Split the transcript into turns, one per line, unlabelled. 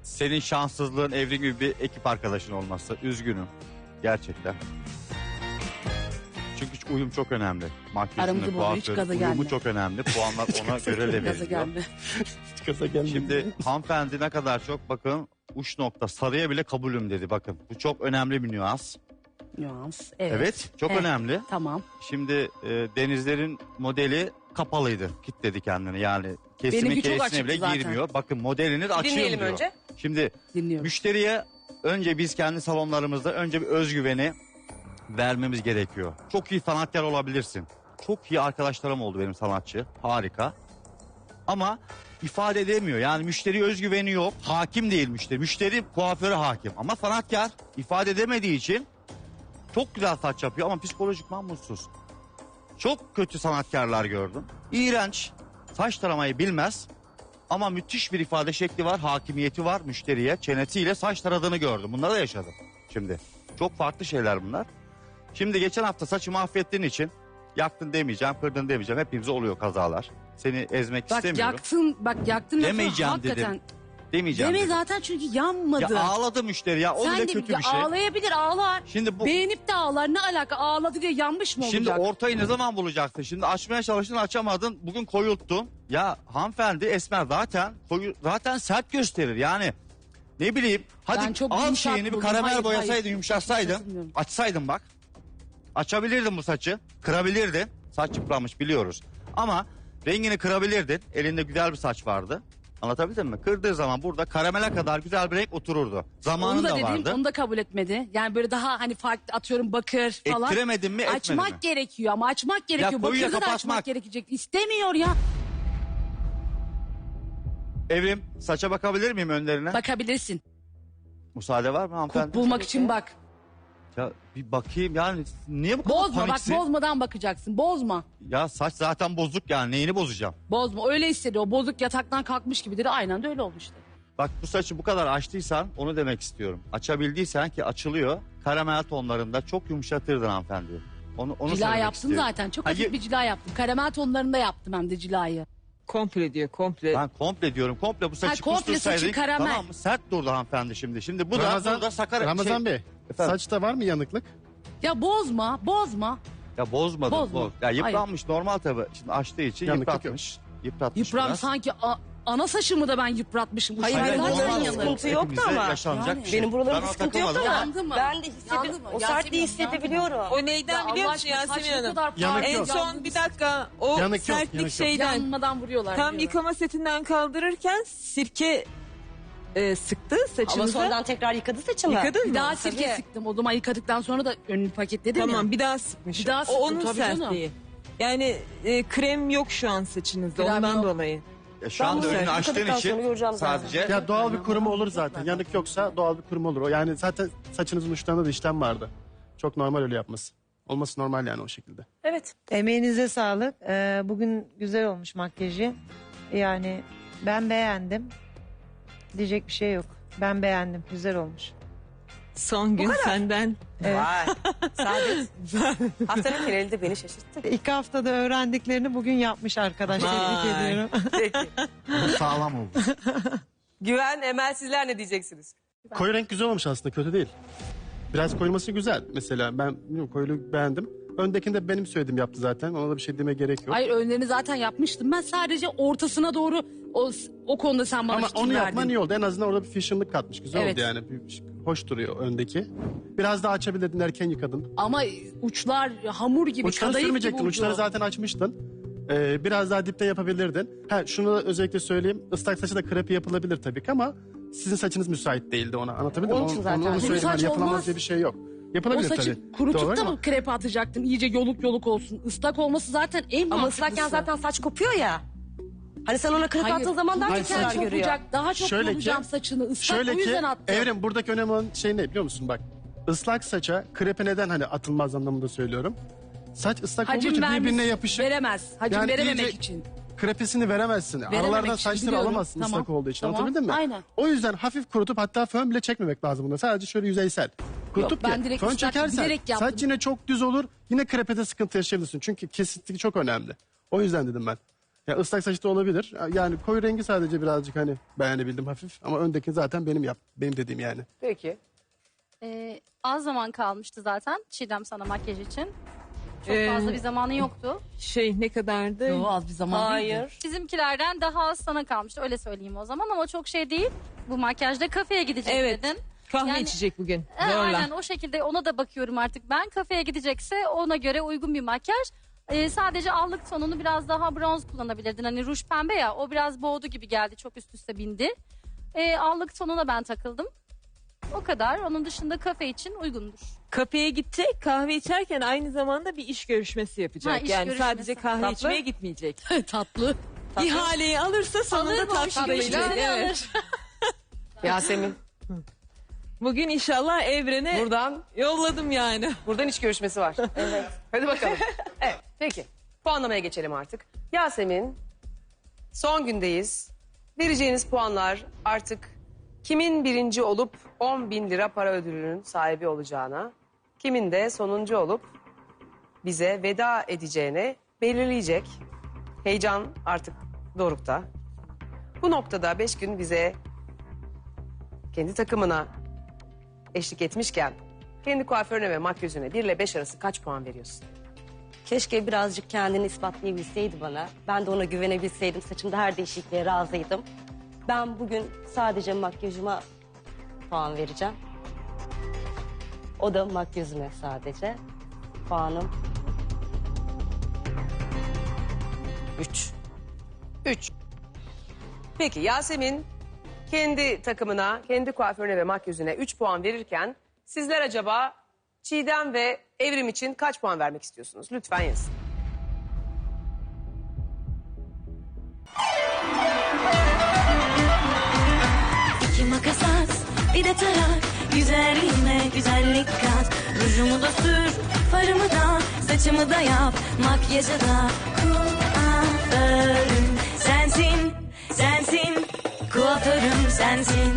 Senin şanssızlığın Evrim gibi bir ekip arkadaşın olması. Üzgünüm. Gerçekten. Çünkü uyum çok önemli. Makyajını,
Aramızda bu arada hiç gaza
uyumu
gelme.
çok önemli. Puanlar ona göre de
Gaza
veriliyor.
gelme.
Gaza gelmedi.
Şimdi hanımefendi ne kadar çok bakın uç nokta sarıya bile kabulüm dedi bakın. Bu çok önemli bir nüans.
Nüans. Evet.
Evet çok
Evet.
önemli.
Tamam.
Şimdi Denizler'in modeli kapalıydı. Kitledi kendini yani. Kesimin
Benimki çok
kesine
açıktı
bile
zaten.
girmiyor. Bakın modelini de açıyorum
Dinleyelim
diyor.
önce.
Şimdi
Dinliyorum.
müşteriye önce biz kendi salonlarımızda önce bir özgüveni vermemiz gerekiyor. Çok iyi sanatkar olabilirsin. Çok iyi arkadaşlarım oldu benim sanatçı. Harika. Ama ifade edemiyor. Yani müşteri özgüveni yok. Hakim değil müşteri. Müşteri kuaföre hakim. Ama sanatkar ifade edemediği için çok güzel saç yapıyor ama psikolojikman mutsuz. Çok kötü sanatkarlar gördüm. İğrenç. Saç taramayı bilmez. Ama müthiş bir ifade şekli var. Hakimiyeti var müşteriye. Çenesiyle saç taradığını gördüm. Bunları da yaşadım şimdi. Çok farklı şeyler bunlar. Şimdi geçen hafta saçımı affettiğin için yaktın demeyeceğim, kırdın demeyeceğim. Hepimize oluyor kazalar. Seni ezmek
Bak
istemiyorum.
yaktın lafı
Demeyeceğim
hakikaten.
dedim. Demeyeceğim
Deme
dedim.
zaten çünkü yanmadı.
Ya ağladı müşteri ya. O
Sen
bile
de
kötü
ya
bir şey.
ağlayabilir ağlar.
Şimdi bu
Beğenip de ağlar, ne alaka, ağladı diye yanmış mı
Şimdi
olacak?
ortayı ne zaman bulacaksın? Şimdi açmaya çalıştın açamadın. Bugün koyulttun. Ya hanımefendi esmer zaten sert gösterir. Yani ne bileyim
Ben
hadi
çok
al
yumuşak
şeyini bir
buldum.
karamel
Hayır,
boyasaydın
hayır.
yumuşatsaydın.
Bilmiyorum.
Açsaydın bak. Açabilirdin bu saçı. Kırabilirdin. Saç yıpranmış biliyoruz. Ama rengini kırabilirdin. Elinde güzel bir saç vardı. Anlatabildim mi? Kırdığı zaman burada karamele kadar güzel bir renk otururdu.
Onu
Zamanı
da
da
dedim,
vardı.
onu da kabul etmedi. Yani böyle daha hani farklı atıyorum bakır falan.
Ettiremedin mi, etmedin
Açmak
mi?
gerekiyor ama açmak gerekiyor.
koyuya
Bakırda da
kapatmak.
açmak gerekecek. İstemiyor ya.
Evrim saça bakabilir miyim önlerine?
Bakabilirsin.
Müsaade var mı hanımefendi?
Kulp bulmak için bak.
Ya bir bakayım yani niye bu kadar
Bozma bak,
paniksin?
bozmadan bakacaksın. Bozma.
Ya saç zaten bozuk yani neyini bozacağım?
Bozma. Öyle hissediyor. O bozuk yataktan kalkmış gibi dedi. Aynen de öyle oldu işte.
Bak bu saçı bu kadar açtıysan onu demek istiyorum. Açabildiysen ki açılıyor. Karamel tonlarında çok yumuşatırdın hanımefendi. Onu
Cila
söylemek
yaptım
istiyorum.
zaten. Çok
Hayır,
hafif bir cila yaptım. Karamel tonlarında yaptım hem de cilayı.
Komple diyor komple.
Ben komple diyorum. Komple bu saçı
komple
kustursaydın.
saçı karamel.
Tamam mı? Sert durdu hanımefendi şimdi. Şimdi bu da sakar.
Ramazan Bey,
Efendim?
saçta var mı yanıklık?
Ya bozma. Bozma.
Ya bozmadım.
Bozma.
Ya yıpranmış normal tabii. Şimdi açtığı için
Yanıklık
yıpratmış. Yıpratmış
Yıpran
biraz.
sanki ana saçımı da ben yıpratmışım. Bu
Hayır,
saçlar
benim
zaten
buralarımda
yanır.
sıkıntı yoktu
Hepimize
ama.
yaşanacak
Yani.
bir şey.
Benim buralarımda
Ben ona
sıkıntı yoktu
takılmadım.
ama.
Yandı mı?
Ben de hissedip
Yandı mı?
o sertliği
Yasemin,
hissedebiliyorum.
O neyden
Ya
biliyor
Allah
musun
aşkına, saç
Yasemin
ne
Hanım?
kadar
Yanık
pahalı.
yok.
En son bir dakika o
Yanık yok,
sertlik
yanık yok.
şeyden
Yanmadan vuruyorlar.
tam
diyor.
yıkama setinden kaldırırken sirke sıktı
Ama
saçınıza.
sonradan tekrar yıkadı saçımı.
Yıkadın
Bir
mı?
daha sirke
Tabii.
sıktım. O zaman yıkadıktan sonra da önünü paketledim
Tamam
ya.
bir daha sıkmış.
Bir daha
o
sıktım,
onun
tabii canım.
sertliği. Yani krem yok şu an saçınızda
Krem
ondan
yok.
dolayı.
Ya şu
Ben
anda
bunu
önünü açtığın
yıkadıktan
için
sonra göreceğim zaten.
sadece
Ya doğal bir kurumu olur zaten. Yanık yoksa doğal bir kurum olur. O yani zaten saçınızın uçlarında da işlem vardı. Çok normal öyle yapması. Olması normal yani o şekilde.
Evet.
Emeğinize sağlık. Bugün güzel olmuş makyajı. Yani ben beğendim. Diyecek bir şey yok. Ben beğendim. Güzel olmuş.
Son gün senden.
Vay. Saadet. Haftanın geneli de beni şaşırttı.
2 haftada öğrendiklerini bugün yapmış arkadaş. Tebrik
Vay.
ediyorum.
Peki.
sağlam oldu.
Güven, Emel sizler ne diyeceksiniz?
Koyu renk güzel olmuş aslında, kötü değil. Biraz koyulması güzel. Mesela ben bilmiyorum, koyuluğu beğendim. Öndekinde benim söylediğim yaptı zaten. Ona da bir şey demeye gerek yok.
Hayır, önlerini zaten yapmıştım. Ben sadece ortasına doğru o konuda sen bana
Ama
fikir
onu
verdin.
yapman iyi oldu. En azından orada bir fashionlık katmış. Güzel
Evet.
oldu yani. Hoş duruyor öndeki. Biraz daha açabilirdin, erken yıkadın.
Ama uçlar hamur gibi,
Uçları
kadayıf gibi
sürmeyecektin.
oldu.
Uçları zaten açmıştın. Biraz daha dipte yapabilirdin. Şunu da özellikle söyleyeyim. Islak saçı da krepi yapılabilir tabii ki ama sizin saçınız müsait değildi ona. Anlatabildim mi?
Onun için zaten.
Onu
Bu
söyleyeyim.
saç
Hani yapılamaz
olmaz.
diye bir şey yok.
O
Yapılabilir
saçı
tabii.
kurutup
Doğru
da
ama
mı krepe atacaktın? İyice yoluk yoluk olsun. Islak olması zaten en
Ama
mantıklısı.
ıslakken zaten saç kopuyor ya. Hani sen ona kırıp attığın zaman daha çok
kururken
zarar görüyor.
kopacak. Daha çok
Şöyle ki-
bulacağım saçını. Islak
şöyle
o
ki
yüzden attım.
Evrim, buradaki önemli olan şey ne biliyor musun? Bak, ıslak saça krepe neden hani atılmaz anlamında söylüyorum. Saç ıslak olduğu
Hacim
için
vermiş,
birbirine yapışık.
veremez. Hacim
Yani
verememek
iyice-
için.
Krepesini veremezsin.
Verememek
Aralardan
için,
saçları
biliyorum.
alamazsın
Tamam.
ıslak olduğu için.
Tamam,
Anlatabildim mi?
aynen.
O yüzden hafif kurutup hatta fön bile çekmemek lazım bunda. Sadece şöyle yüzeysel. Kurutup
ben
ki
direkt
fön
ıslak
çekersen
bilerek yaptım.
saç yine çok düz olur. Yine krepede sıkıntı yaşayabilirsin. Çünkü kesinti çok önemli. O yüzden dedim ben. Ya ıslak saç da olabilir. Yani koyu rengi sadece birazcık hani beğenebildim hafif. Ama öndeki zaten benim dediğim yani.
Peki.
Az zaman kalmıştı zaten Çiğdem sana makyaj için. Çok
Ee,
fazla bir zamanı yoktu.
Ne kadardı?
Yo, az bir zaman değildi.
Hayır.
Bizimkilerden daha az sana kalmıştı öyle söyleyeyim o zaman ama çok şey değil. Bu makyajda kafeye gidecek
Evet.
dedin.
Kahve
Yani-
içecek bugün.
Aynen o şekilde ona da bakıyorum artık ben. Kafeye gidecekse ona göre uygun bir makyaj. Sadece allık tonunu biraz daha bronz kullanabilirdin. Hani ruj pembe ya o biraz boğdu gibi geldi çok üst üste bindi. Allık tonuna ben takıldım. O kadar. Onun dışında kafe için uygundur.
Kafeye gidecek, kahve içerken aynı zamanda bir iş görüşmesi yapacak.
Ha, iş
yani
görüşmesi.
sadece kahve
Tatlı.
içmeye gitmeyecek.
Tatlı.
İhaleyi alırsa sonunda
Alır mı o işi
tatlı
görüşmesini
içecek. Evet.
alır.
Yasemin.
Bugün inşallah evrene yolladım yani.
Buradan iş görüşmesi var. Evet. Hadi bakalım. Evet. Peki. Puanlamaya geçelim artık. Yasemin. Son gündeyiz. Vereceğiniz puanlar artık kimin birinci olup 10.000 lira para ödülünün sahibi olacağına, kimin de sonuncu olup bize veda edeceğine belirleyecek. Heyecan artık dorukta. Bu noktada 5 gün bize kendi takımına eşlik etmişken kendi kuaförüne ve makyözüne 1 ile 5 arası kaç puan veriyorsun?
Keşke birazcık kendini ispatlayabilseydi bana. Ben de ona güvenebilseydim. Saçımda her değişikliğe razıydım. Ben bugün sadece makyajıma puan vereceğim. O da makyözüme sadece. Puanım
3. 3. Peki Yasemin kendi takımına, kendi kuaförüne ve makyözüne 3 puan verirken sizler acaba Çiğdem ve Evrim için kaç puan vermek istiyorsunuz? Lütfen yazın.
İki makas at, bir de tarak. Güzelliğime güzellik kat. Rujumu da sür, farımı da, saçımı da yap. Makyajı da kuaförüm sensin, sensin. Kuaförüm sensin.